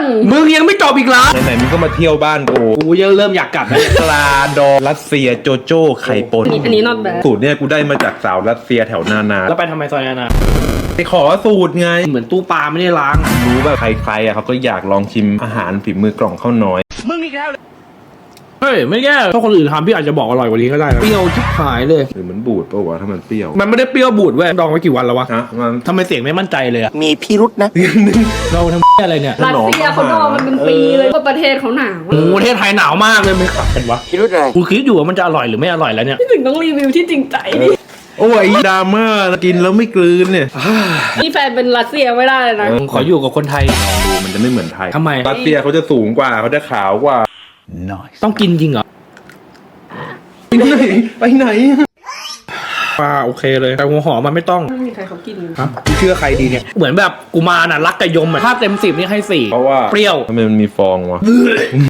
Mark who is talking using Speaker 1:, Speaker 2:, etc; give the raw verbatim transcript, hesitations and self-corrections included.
Speaker 1: มึงยังไม่จบอีกเหรอ
Speaker 2: ไหนๆมึงก็มาเที่ยวบ้านกู
Speaker 1: กูยังเริ่มอยากกลับแล้ว
Speaker 2: ปลาดองรัสเซียโจโจ้ไข่ปน
Speaker 3: อันนี้ not bad
Speaker 2: สูตรเนี่ยกูได้มาจากสาวรัสเซียแถวนานา
Speaker 1: แล้วไปทำไมซอยนานา
Speaker 2: ไปขอสูตรไง
Speaker 1: เหมือนตู้ปลาไม่ได้ล้าง
Speaker 2: รู้แบบใครๆอ่ะเขาก็อยากลองชิมอาหารฝีมือกล่องข้าวน้อย
Speaker 1: เฮ้ยไม่แย่ถ้าคนอื่นทำพี่อาจจะบอกอร่อยกว่านี้ก็ได้นะเปรี้ยวชิบหายเลย
Speaker 2: หรือมันบูดปะวะถ้ามันเปรี้ยว
Speaker 1: มันไม่ได้เปรี้ยวบูดเว้ยดองไว้กี่วันแล้ววะ
Speaker 2: ฮะมัน
Speaker 1: ทำไมเสียงไม่มั่นใจเลยอะ
Speaker 4: มีพิรุษนะ
Speaker 1: เราทำอะไรเนี่ย
Speaker 3: รัสเซียเขาดองมันเป็นปีเลยเพราะประเทศเขาหนาว
Speaker 1: โอ้โหประเทศไทยหนาวมากเลยไม่ขับกันวะ
Speaker 4: พิรุษอะไร
Speaker 1: กูคิดอยู่ว่ามันจะอร่อยหรือไม่อร่อยแล้วเนี่ย
Speaker 3: พี่ถึงต้องรีวิวที่จริงใจดิ
Speaker 2: โอ้ยดราม่ากินแล้วไม่กลืนเนี่ย
Speaker 3: นี่แฟนเป็นรัสเซียไม่ได้เลยนะ
Speaker 1: ผมขออยู่กับคนไทย
Speaker 2: ลองดูมันจะไม่เหมือนไทย
Speaker 1: ทำไม
Speaker 2: รัสเซียเขาจะสูงกว่าเขาจะขาวกว่า
Speaker 1: ต้องกินจริงเหรอ
Speaker 2: ไปไหนไปไหน
Speaker 1: ปลาโอเคเลยแต่หัวหอมมันไม่ต้อง
Speaker 3: ไม่มีใครเขากิน
Speaker 1: ฮะกูเชื่อใครดีเนี่ยเหมือนแบบกูมาน่ะรักกับยมอะถ้าเต็มสิบนี่ให้สี่
Speaker 2: เพราะว่า
Speaker 1: เปรี้ยว
Speaker 2: ทำไมมันมีฟองวะ